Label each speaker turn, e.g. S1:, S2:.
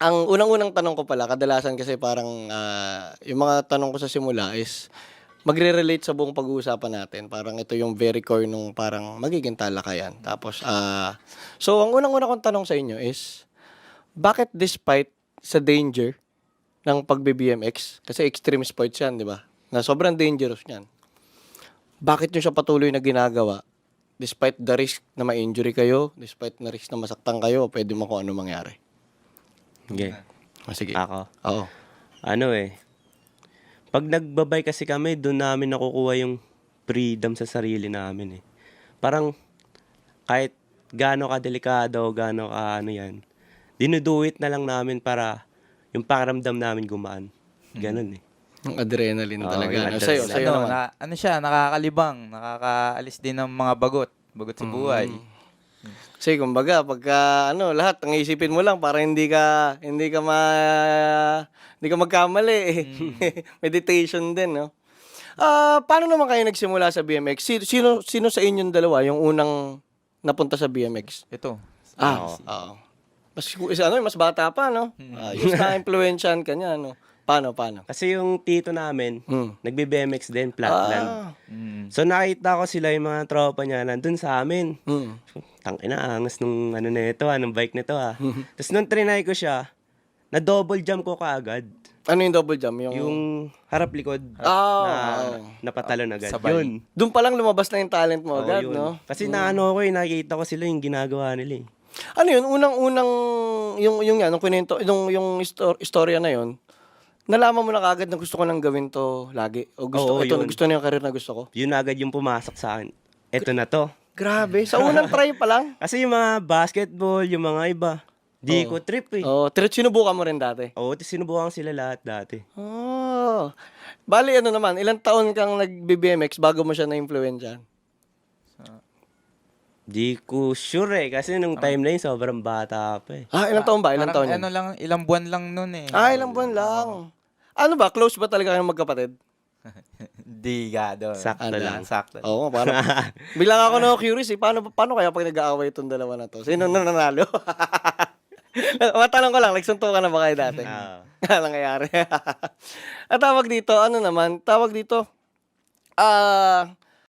S1: Ang unang-unang tanong ko pala kadalasan kasi parang, yung mga tanong ko sa simula is magre-relate sa buong pag-uusapan natin. Parang ito yung very core nung parang magiging talakayan. Tapos, so ang unang-una kong tanong sa inyo is, bakit despite sa danger ng pagbe-BMX, kasi extreme sports yan, di ba? Na sobrang dangerous niyan. Bakit nyo siya patuloy na ginagawa? Despite the risk na ma-injury kayo, despite na risk na masaktan kayo, pwede mo kung ano mangyari.
S2: Okay.
S1: Sige.
S2: Ako.
S1: Oo.
S2: Pag nagbabay kasi kami, doon namin nakukuha yung freedom sa sarili namin eh. Parang kahit gaano ka delikado, gaano ka yan, dinuduit na lang namin para yung pakiramdam namin gumaan. Ganun eh.
S1: Yung adrenaline
S2: Oo,
S1: talaga.
S2: yung
S1: No?
S2: adrenaline.
S1: Sa'yo naman.
S3: Ano siya, nakakalibang, nakakaalis din ng mga bagot sa buhay.
S1: Kasi kumbaga pagka lahat ang isipin mo lang para hindi ka magkamali eh. Meditation din, no. Paano naman kayo nagsimula sa BMX? Sino sa inyong dalawa yung unang napunta sa BMX?
S3: Ito.
S1: Oo. Mas bata pa, no? Ayos na impluwensyahan ka niya, no. Paano?
S2: Kasi yung tito namin, nagbe-BMX din, flatland. So nakita ko sila yung mga tropa niya nandun sa amin. Tangina, angas nung nung bike nito ah. Tapos nung trinay ko siya, na double jump ko kaagad.
S1: Ano yung double jump?
S2: Yung harap-likod
S1: na
S2: napatalon agad.
S3: Sabay.
S2: Yun.
S1: doon pa lang lumabas na yung talent mo
S2: Oo,
S1: agad,
S2: yun.
S1: no?
S2: Kasi nakita ko sila yung ginagawa nila eh.
S1: Ano yun? Unang-unang, yung kwento, yung istorya na yun, nalaman mo na kagad na gusto ko nang gawin to lagi? O gusto
S2: yun.
S1: gusto na yung career na gusto ko?
S2: Yun agad yung pumasok sa akin. Eto na to.
S1: Grabe. Sa unang try pa lang?
S2: Kasi yung mga basketball, yung mga iba, di ko trip eh.
S1: Sinubukan mo rin dati?
S2: Oo, sinubukan sila lahat dati.
S1: Bali, naman, ilang taon kang nag-BMX bago mo siya na-influensyahan?
S2: Di ko sure eh, kasi nung time na yun, sobrang bata pa eh.
S1: Ilang taon ba? Ilang taon
S3: Parang
S1: yun?
S3: ilang buwan lang nun eh.
S1: Ilang buwan lang. Ano ba? Close ba talaga kayong magkapatid?
S3: Di gado.
S2: Sakto lang.
S3: Sakto.
S1: Oo, parang bilang ako na curious eh, paano kaya pag nag-aaway itong dalawa na to? Sino na nanalo? Matanong ko lang, nagsuntukan na ba kayo dati? Ano nangyayari? At tawag dito,